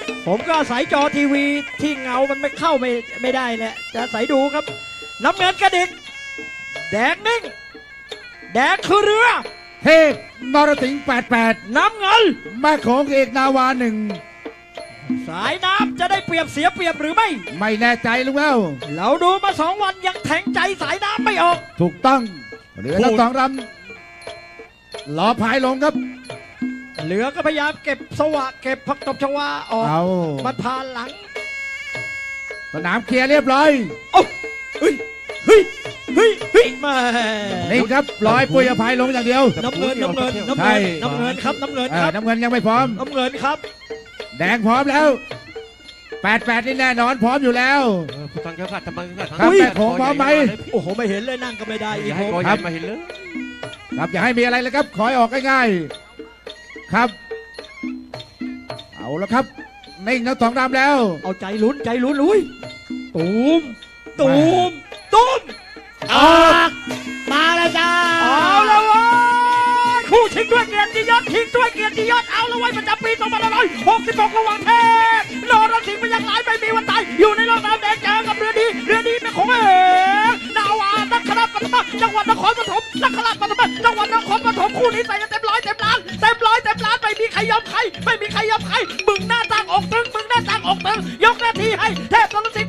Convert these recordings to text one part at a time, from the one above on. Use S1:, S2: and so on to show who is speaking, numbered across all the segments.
S1: ผมก็อาศัยจอทีวีที่เงามันไม่เข้าไม่ได้แหละจะอาศัยดูครับน้ำเงินกระดิกแดงนิ่งแดงคือเรือ
S2: เทพนรสิงห์88
S1: น้ำเงิน
S2: แม่โขงเอกนาวาหนึ่ง
S1: สายน้ำจะได้เปรียบเสียเปรียบหรือไม่
S2: ไม่แน่ใจลุงแล้ว
S1: เราดูมา2 วันยังแทงใจสายน้ำไม่ออก
S2: ถูกต้องเรือทั้งสองลำล้อพายลงครับ
S1: เรือก็พยายามเก็บสวะเก็บผักตบชวาออกมันผ่านหลัง
S2: สนามเคลียร์เรียบร้อย
S1: โอ้เฮ้ยมา
S2: นี่ครับลอยปุยพายลงอย่างเดียว
S1: น้ำเงินครับน้ำเงิน
S2: ยังไม่พร้อม
S1: น้ำเงินครับ
S2: แดงพร้อมแล้ว88นี่แน่นอนพร้อมอยู่แล้ว
S3: ผู้ฟังเจ้าขัดทำไมขัด
S2: ครับแม่โขงพร้อมไหม
S1: โอ้โหไม่เห็นเลยนั่งก็ไม่ได้อีก
S3: ครับมาเห็นเลย
S2: ครับอย่าให้มีอะไรเลยครับขอให้ออกง่ายๆครับเอาแล้วครับนิ่งทั้งสองลำแล้ว
S1: เอาใจลุ้นอุ้ยตูม
S2: ออกมาแล้วจ้า
S1: เอาแล้ววะคู่ชิงด้วยเกียรติยศเอาแล้วไว้ประจำปี2566ระหว่างเทพนรสิงห์พยัคฆ์หลายไม่มีวันตายอยู่ในร่องน้ำแดงเจอกับเรือดีเป็นของเอกนาวานักขราปฐมจังหวัดนครปฐมนักขราปฐมจังหวัดนครปฐมคู่นี้ใส่กันเต็มร้อยเต็มล้านไม่มีใครยอมใครมึงหน้าต่างอกตึงยกหน้าที่ให้เทพนรสิงห์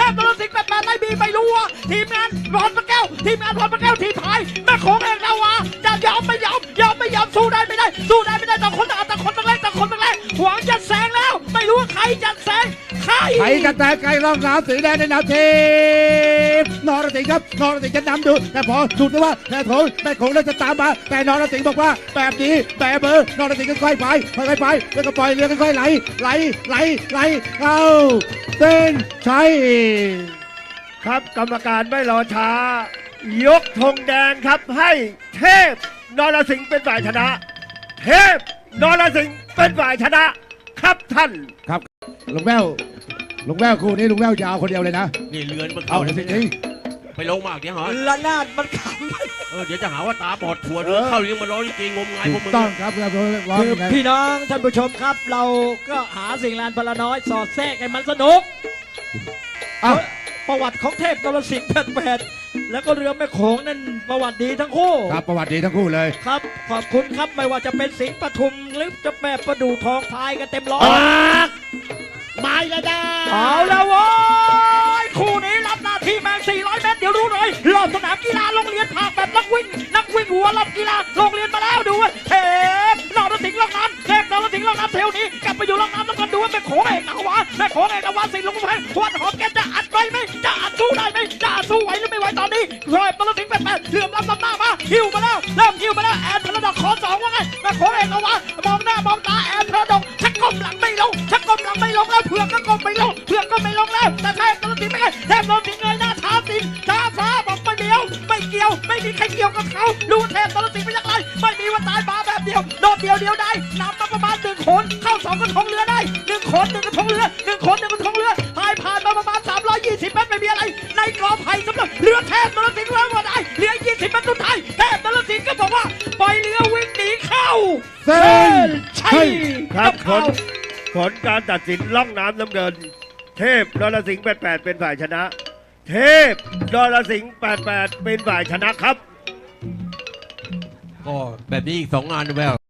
S1: 88ไม่รู้ว่าทีมงานพรพระแก้วทีมพายแม่โขงเอกนาวาจะยอมไม่ยอมสู้ได้ไม่ได้ต่างคนต้องแรกหวังจะแซงแล้วไม่รู้ว่าใครจะแซงใคร
S2: จะแตกไกลร่องน้ำสีแดงในแนวทีมนรสิงห์ครับนรสิงห์จะนำดูแต่พอดูดว่าแม่โขงน่าจะตามมาแต่นรสิงห์บอกว่าแบบนี้แบบเบอร์นรสิงห์ค่อยๆไปแล้วก็ปล่อยเรือค่อยๆไหลเข้าเส้นชัย
S4: ครับกรรมการไม่รอช้ายกธงแดงครับให้เทพนรสิงห์เป็นฝ่ายชนะเทพนรสิงห์เป็นฝ่ายชนะครับท่าน
S2: ครับลุงแววคู่นี้ลุงแววยาวคนเดียวเลยนะ
S3: นี่เรือนมันเข้าเลยจริงไปลงมากเดี๋ยวเหรอ
S1: ละนาดมันข
S3: ำเดี๋ยวจะหาว่าตาบอดถั่วเรือเข้าเรื่องมาร้องจริงงมงายพวกมึง
S2: ต้องครับ
S1: คือพี่น้องท่านผู้ชมครับเราก็หาสิ่งลานพลน้อยสอดแทรกให้มันสนุกประวัติของเทพนรสิงห์88แล้วก็เรือแม่โขงนั่นประวัติดีทั้งคู่
S2: ครับประวัติดีทั้งคู่เลย
S1: ครับขอบคุณครับไม่ว่าจะเป็นสิงห์ปทุมหรือจะแม่ประดู่ทองพายกันเต็มร้อย
S2: มาแล้วจ้า
S1: เอาแล้วโว้ยคู่นี้รับหน้าที่แมง400 เมตรเดี๋ยวรู้เลยรอบสนามกีฬาโรงเรียนภาคแบบนักวิ่งหัวรอบกีฬาโรงเรียนมาแล้วดูว่าเทพนรสิงห์ล่องน้ำเทพนรสิงห์ล่องน้ำเที่ยวนี้กลับไปอยู่ล่องน้ำแล้วก็ดูว่าแม่โขงเอกนาวาสิงห์ลงไปขวดหอมแกจะอัดไว้ไหมจะอัดสู้ได้ไหมจะอัดสู้ไหวหรือไม่ไหวตอนนี้เทพนรสิงห์88เหลื่อมล้ำหน้ามาหิวมาแล้วเริ่มหิวมาแล้วแอนพลดอกขอ2ว่าไงแม่โขงเอกนาวามองหน้ามองตาแอนพลดอกชักก้มหลังไม่ลงแล้วเผือกก็ก้มไม่ลงแล้วแต่เทพนรสิงห์ไม่ไงเทพนรสิงห์เงยหน้าท้าฟ้าบอกไม่เดียวไม่เกี่ยวไม่มีใครเกี่ยวกับเขาดูเทพนรสิงห์เป็นยังไงไม่มีวันตายมาแบบเดียวโดดเดียวได้นำมาประมาณ1 คนเข้า2 กระทงเรือได้1 คน1 กระทงเรือพายผ่านมาประมาณ320 เมตรไม่มีอะไรในกอไผ่สำหรับเรือเทพนรสิงห์แล้วว่าได้เรือ20 เมตรสุดท้ายเทพนรสิงห์ก็บอกว่าปล่อยเรือวิ่งหนีเข้า
S2: เส้นชัย
S4: ครับผลการตัดสินล่องน้ำน้ำเงินเทพนรสิงห์88เป็นฝ่ายชนะเทพนรสิงห์88เป็นฝ่ายชนะครับ
S3: ก็แบบนี้อีก2 งานแวว